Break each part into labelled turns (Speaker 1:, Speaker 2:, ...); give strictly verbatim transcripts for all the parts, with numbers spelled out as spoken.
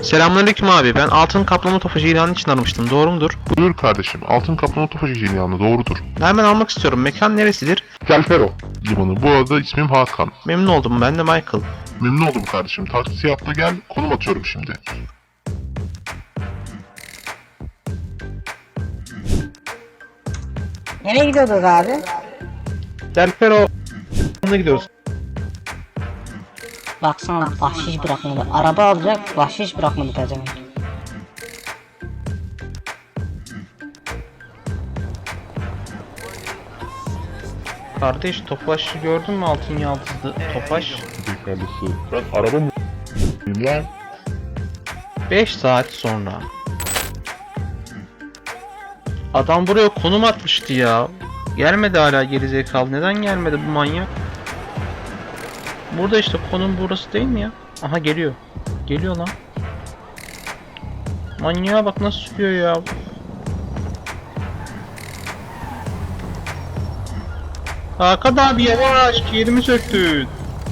Speaker 1: Selamünaleyküm abi. Ben altın kaplama tofaşı ilanı için aramıştım. Doğru mudur?
Speaker 2: Buyur kardeşim. Altın kaplama tofaşı ilanı doğrudur.
Speaker 1: Hemen almak istiyorum. Mekan neresidir?
Speaker 2: Kelfero limanı. Bu arada ismim Hakan.
Speaker 1: Memnun oldum. Ben de Michael.
Speaker 2: Memnun oldum kardeşim. Taksi atla gel. Konum atıyorum şimdi.
Speaker 3: Nereye gidiyorduk abi?
Speaker 1: Delfero. Ne gidiyoruz?
Speaker 3: Baksana bahşiş bırakmadı. Araba alacak, bahşiş bırakmadı pezevenk.
Speaker 1: Kardeş Tofaş'ı gördün mü? Altın yaldızlı Tofaş.
Speaker 2: Kardeşi. Ben araba mı lan?
Speaker 1: beş saat sonra. Adam buraya konum atmıştı ya. Gelmedi hala gerizekalı. Neden gelmedi bu manyak? Burada işte konum burası değil mi ya? Aha geliyor. Geliyor lan. Manyağa bak nasıl sürüyor ya. Hakan abi yavaş, yerimi söktün.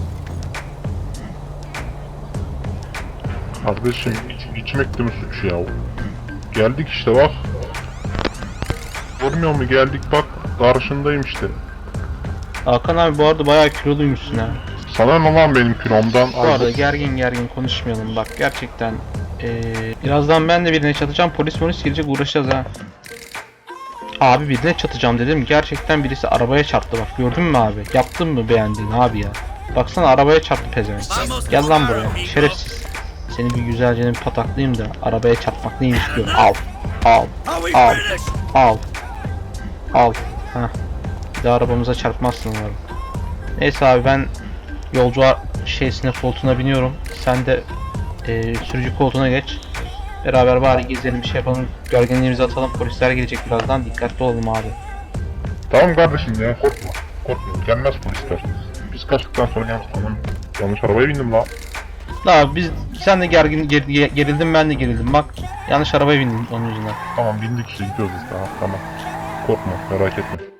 Speaker 2: Kardeşim iç, içmek de mi suç ya? Geldik işte bak. Görmüyor mu geldik bak. Karşındayım işte.
Speaker 1: Hakan abi bu arada bayağı kiloluymuşsun ha.
Speaker 2: Sana ne lan benim kilomdan?
Speaker 1: Bu arada gergin gergin konuşmayalım bak gerçekten. Ee, birazdan ben de birine çatacağım, polis polis gelecek, uğraşacağız ha. Abi birine çatacağım dedim, gerçekten birisi arabaya çarptı bak, gördün mü abi? Yaptın mı, beğendin abi ya? Baksana arabaya çarptı pezevenk. Gel lan buraya şerefsiz. Seni bir güzelce bir pataklayayım da arabaya çarpmak neymiş gör. Al al al al al. Heh. Bir de arabamıza çarpmazsın umarım. Neyse abi ben yolcu şeysine, koltuğuna biniyorum. Sen de e, sürücü koltuğuna geç. Beraber bari gezelim, bir şey yapalım. Gerginliğimizi atalım. Polisler gelecek birazdan. Dikkatli olalım abi.
Speaker 2: Tamam kardeşim ya korkma. Korkma gelmez polisler. Biz kaçtıktan sonra yalnız tamam. Yanlış arabaya bindim la.
Speaker 1: La biz sen de gergin ger, gerildin, ben de gerildim. Bak yanlış arabaya bindim onun yüzünden.
Speaker 2: Tamam bindik işte gidiyoruz biz daha tamam. Korkma merak etme.